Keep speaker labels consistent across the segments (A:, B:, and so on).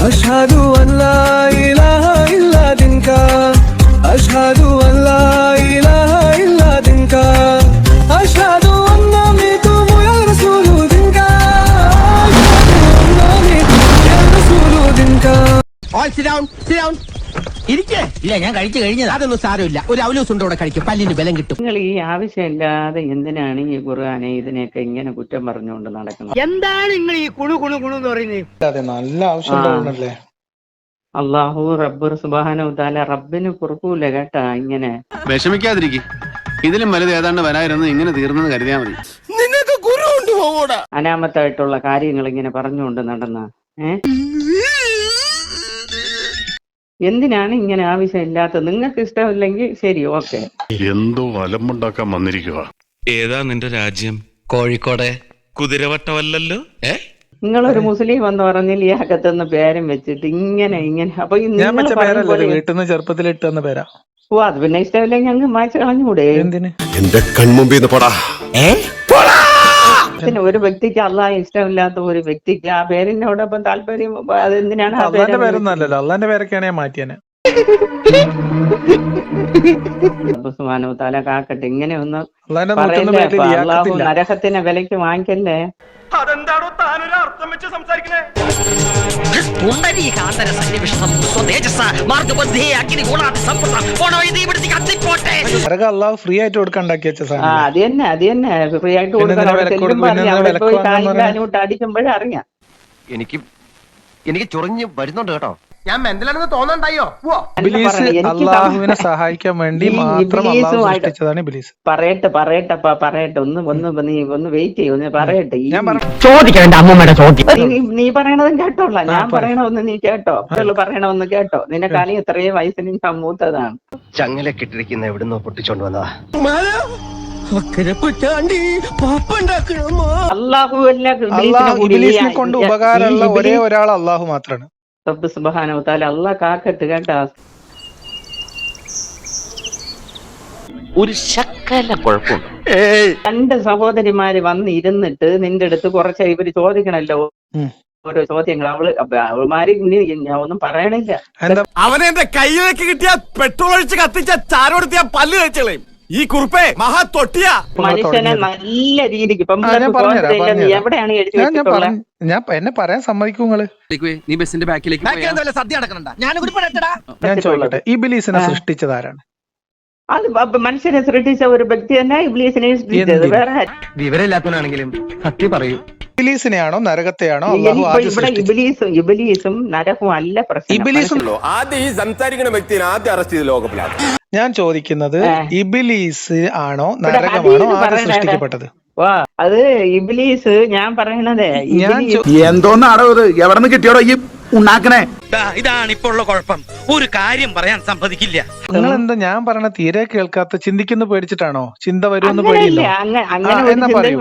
A: അഷ്ഹദു അല്ലാ ഇലാഹ ഇല്ലാ ദിൻക അഷ്ഹദു അല്ലാ ഇലാഹ ഇല്ലാ ദിൻക അഷ്ഹദു അന്ന മിതുമു യാ റസൂലു ദിൻക അഷ്ഹദു അന്ന മിതുമു യാ റസൂലു ദിൻക.
B: All sit down, sit down. ഇരിക്കേ. ഇല്ല, ഞാൻ കഴിച്ചു കഴിഞ്ഞത്. അതൊന്നും സാരമില്ല. ഒരു അവലോസ് ഉണ്ടോടെ കഴിക്കും, പല്ലിന് ബലം കിട്ടും.
C: നിങ്ങൾ ഈ ആവശ്യമില്ലാതെ എന്തിനാണ് ഈ ഖുർആനെ ഇതിനെയൊക്കെ ഇങ്ങനെ കുറ്റം പറഞ്ഞുകൊണ്ട് നടക്കുന്നത്?
B: എന്താണ് നിങ്ങൾ ഈ കുണു കുണു കുണു എന്ന് പറയുന്നത്?
D: അതെ, നല്ല ആവശ്യമുള്ളതല്ലേ.
C: അള്ളാഹു റബ്ബ് സുബ്ഹാനഹു വതആല റബ്ബിന് പൊറുക്കൂല കേട്ടാ ഇങ്ങനെ.
E: വിഷമിക്കാതിരിക്കും, ഇതിലും വലുത് ഏതാണ്ട് വരായിരുന്നു. ഇങ്ങനെ തീർന്നെന്ന് കരുതിയാ മതി.
B: നിനക്ക് കുരു കൊണ്ടുപോകൂടാ.
C: അനാമത്തായിട്ടുള്ള കാര്യങ്ങൾ ഇങ്ങനെ പറഞ്ഞുകൊണ്ട് നടന്ന എന്തിനാണ് ഇങ്ങനെ ആവശ്യമില്ലാത്തത്? നിങ്ങൾക്ക് ഇഷ്ടമില്ലെങ്കിൽ ശരി, ഓക്കെ.
F: എന്തോ അലമ്പുണ്ടാക്കാൻ വന്നിരിക്കുക.
G: ഏതാ നിന്റെ രാജ്യം? കോഴിക്കോടെ കുതിരവട്ടമല്ലല്ലോ.
C: നിങ്ങളൊരു മുസ്ലിം എന്ന് പറഞ്ഞാൽ ഈ അകത്തുനിന്ന് പേരും വെച്ചിട്ട് ഇങ്ങനെ അപ്പൊ
D: ഞാൻ വെച്ച പേരല്ലേ, വീട്ടിൽ നിന്ന് ചെറുപ്പത്തിൽ ഇട്ടെന്ന പേരാ.
C: ഓ, അത് പിന്നെ ഇഷ്ടമില്ലെങ്കിൽ ഞങ്ങൾ മായ്ച്ചു കളഞ്ഞുകൂടെ?
D: എന്തിന്?
F: എന്റെ കൺമുമ്പിന്ന് പോടാ.
C: ഒരു വ്യക്തിക്ക് അള്ളാഹ് ഇഷ്ടമില്ലാത്ത ഒരു വ്യക്തിക്ക് ആ പേരിനോടൊപ്പം താല്പര്യം അതെന്തിനാണ്?
D: അള്ളാന്റെ പേരൊന്നും അല്ലല്ലോ, അള്ളാന്റെ പേരൊക്കെയാണ് ഞാൻ മാറ്റിയാനെ.
C: സുബ്ഹാനഹു വതആല കാക്കട്ടെ. ഇങ്ങനെ ഒന്ന്
D: അള്ളാന്റെ
C: അള്ളാഹു നരകത്തിനെ വിലയ്ക്ക് വാങ്ങിക്കല്ലേ.
B: അതെന്താണോ താനൊരു അർത്ഥം വെച്ച് സംസാരിക്കണേ?
D: നരകം അള്ളാഹു ഫ്രീ ആയിട്ട് കൊടുക്കാൻ ഉണ്ടാക്കി വെച്ച സാധനം.
C: അത് തന്നെ ഫ്രീ ആയിട്ട് കൊടുക്കാൻ അടിക്കുമ്പോഴേ അറിയാം.
B: എനിക്ക് ചൊറിഞ്ഞ് വരുന്നുണ്ട് കേട്ടോ. ഞാൻ മെന്റലാണെന്ന് തോന്നണ്ടായോ?
D: ഇബ്ലീസ് അള്ളാഹുവിനെ സഹായിക്കാൻ വേണ്ടി മാത്രം അള്ളാഹു സൃഷ്ടിച്ചതാണ് ഇബ്ലീസ്.
C: പറയട്ടെ ഒന്ന് വെയിറ്റ് ചെയ്യും, ഒന്ന് പറയട്ടെ. നീ പറയണതും കേട്ടോളാം, ഞാൻ പറയണമെന്ന് നീ കേട്ടോ, പറയണമെന്ന് കേട്ടോ. നിന്റെ കാലം ഇത്രയും വയസ്സിന് ഞാൻ മൂത്തതാണ്.
B: ചങ്ങലക്കിട്ടിരിക്കുന്ന എവിടുന്നോ പൊട്ടിച്ചോണ്ട് വന്നതാ.
D: ഇബ്ലീസിനെ കൊണ്ട് ഉപകാരമുള്ള ഒരേ ഒരാൾ അള്ളാഹു മാത്രമാണ്.
C: റബ്ബ് സുബ്ഹാനഹു വതആല അള്ളാഹ് കാക്കട്ട് കേട്ടാ.
B: ഒരു ശക്കല കുഴപ്പമുണ്ട്.
C: രണ്ട് സഹോദരിമാര് വന്ന് ഇരുന്നിട്ട് നിന്റെ അടുത്ത് കുറച്ച് ഇവര് ചോദിക്കണല്ലോ ഓരോ ചോദ്യങ്ങൾ. അവൾമാര് ഒന്നും പറയണില്ല.
B: അവനെ എന്റെ കയ്യിലേക്ക് കിട്ടിയ പെട്രോൾ ഒഴിച്ച് കത്തിച്ച ചാരോടുത്തിയ പല്ല് കഴിച്ചളയും. ഈ കുറുപ്പേ മഹാ തൊട്ടിയ
C: മനുഷ്യനെ നല്ല രീതിക്ക് എവിടെയാണ് എഴുതി വെച്ചിട്ടുള്ളത്?
D: എന്നെ പറയാൻ സമ്മതിക്കുങ്ങള്.
E: നീ ബസിന്റെ ബാക്കിലേക്ക്
B: സദ്യ നടക്കണ്ട.
D: ഞാൻ ചോദിക്കട്ടെ, ഇബ്ലീസിനെ സൃഷ്ടിച്ചതാരാണ്?
C: അത് മനുഷ്യനെ സൃഷ്ടിച്ച ഒരു വ്യക്തി തന്നെ ഇബ്ലീസിനെ സൃഷ്ടിച്ചത്. വേറെ
B: വിവരമില്ലാത്തവനാണെങ്കിലും സത്യം പറയൂ.
D: ഇബ്ലീസിനെയാണോ നരകത്തെയാണോ
C: ഇബ്ലീസും നരകവും അല്ല പ്രശ്നം.
H: ആദ്യം ഈ സംസാരിക്കുന്ന വ്യക്തിയെ ആദ്യം അറസ്റ്റ് ചെയ്ത് ലോകപ്പിലാണ്.
D: ഞാൻ ചോദിക്കുന്നത്, ഇബ്ലീസ് ആണോ നരകമാണോ ആദ്യം സൃഷ്ടിക്കപ്പെട്ടത്?
C: അത് ഇബ്ലീസ്. ഞാൻ പറയണതേ
H: എന്തോന്നാടോ ഇത്? എവിടെ നിന്ന് കിട്ടിയോടോ ഈ ഉണ്ടാക്കണേ?
G: ഇതാണ് ഇപ്പോൾ ഉള്ള കുഴപ്പം. ഒരു കാര്യം പറയാൻ സമ്മതിക്കില്ല.
D: നിങ്ങൾ എന്താ ഞാൻ പറയണ തീരെ കേൾക്കാത്ത? ചിന്തിക്കുന്ന പേടിച്ചിട്ടാണോ? ചിന്ത വരുമെന്ന് പേടിയില്ല? എന്നാ പറയൂ.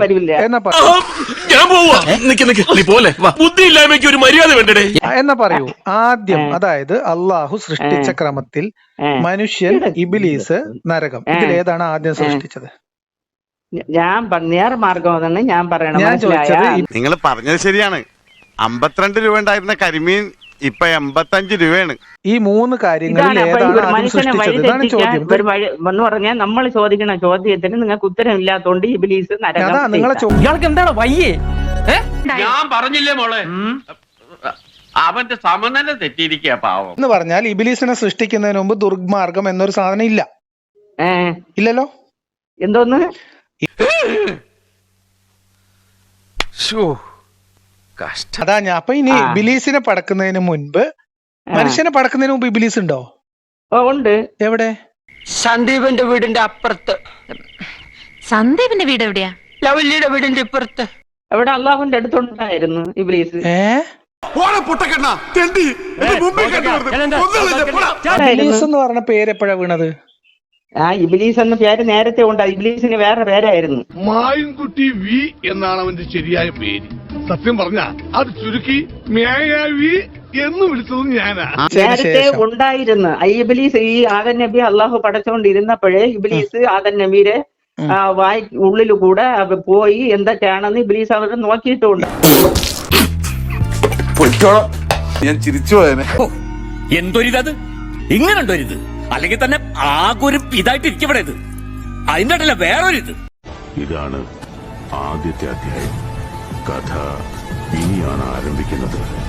D: എന്നാ പറയൂ ആദ്യം. അതായത് അള്ളാഹു സൃഷ്ടിച്ച ക്രമത്തിൽ മനുഷ്യൻ, ഇബ്ലീസ്, നരകം, ഇതിലേതാണ് ആദ്യം സൃഷ്ടിച്ചത്?
C: ഞാൻ നേർമാർഗം ഞാൻ പറയണം.
D: ഞാൻ ചോദിച്ചത്,
E: നിങ്ങൾ പറഞ്ഞത് ശരിയാണ്. 52 രൂപ ഉണ്ടായിരുന്ന കരിമീൻ ഇപ്പൊ 85 രൂപയാണ്.
D: ഈ മൂന്ന് കാര്യങ്ങളിൽ ഏതാണ് ആദ്യം സൃഷ്ടിച്ചത്? ഇതാണ് ചോദ്യം.
C: എന്ന് പറഞ്ഞാൽ നമ്മൾ ചോദിക്കണ ചോദ്യത്തിന് നിങ്ങൾക്ക് ഉത്തരം ഇല്ലാത്തോണ്ട് ഇബ്ലീസ് നരകം.
D: അതാ നിങ്ങളെ
B: ഇയാൾക്ക് എന്താണ് വയ്യേ?
I: ഞാൻ പറഞ്ഞില്ലേ മോളെ, അവന്റെ സമനില തെറ്റിയിരിക്കുക പാവം.
D: എന്ന് പറഞ്ഞാൽ ഇബ്ലീസിനെ സൃഷ്ടിക്കുന്നതിന് മുമ്പ് ദുർമാർഗം എന്നൊരു സാധനം ഇല്ല. ഇല്ലല്ലോ.
C: എന്തോന്ന്?
D: അതാ ഞാൻ. അപ്പൊ ഇനി ഇബ്ലീസിനെ പടക്കുന്നതിന് മുൻപ്, മനുഷ്യനെ പടക്കുന്നതിന് മുമ്പ് ഇബ്ലീസ് ഉണ്ടോ?
C: ഉണ്ട്.
D: എവിടെ?
B: സന്ദീപിന്റെ വീടിന്റെ അപ്പുറത്ത്.
J: സന്ദീപിന്റെ വീട് എവിടെയാ?
B: ലവല്ലിയുടെ വീടിന്റെ ഇപ്പുറത്ത്.
C: എവിടെ? അള്ളാഹുവിന്റെ അടുത്തുണ്ടായിരുന്നു ഇബ്ലീസ്.
D: ഇബ്ലീസ് എന്ന് പറഞ്ഞ പേര് എപ്പോഴാ വീണത്?
C: ഇബ്ലീസ് എന്ന പേര് നേരത്തെ ഉണ്ട്. ഇബ്ലീസിന് വേറെ പേരായിരുന്നു.
F: മായൻകുട്ടി വി എന്നാണ് അവന്റെ ശരിയായ പേര്. സത്യം പറഞ്ഞ അത് ചുരുക്കി മേയാവി എന്ന് വിളിച്ചതും ഞാനാ.
C: നേരത്തെ ഉണ്ടായിരുന്നു ഇബ്ലീസ്. ഈ ആദം നബി അള്ളാഹു പടച്ചോണ്ടിരുന്നപ്പോഴേ ഇബ്ലീസ് ആദം നബിയുടെ വായി ഉള്ളിലൂടെ പോയി എന്തൊക്കെയാണെന്ന് ഇബ്ലീസ് അവർ നോക്കിയിട്ടുണ്ട്.
H: ഞാൻ ചിരിച്ചു പോയനെ.
G: എന്തൊരിതത് ഇങ്ങനെണ്ടൊരിത് അല്ലെങ്കിൽ തന്നെ ആകെ ഒരു ഇതായിട്ട് ഇരിക്കപ്പെടെ ഇത് അതിന്റെ ഇടയില വേറൊരിത്.
F: ഇതാണ് ആദ്യത്തെ അധ്യായം. കഥ ഇനിയാണ് ആരംഭിക്കുന്നത്.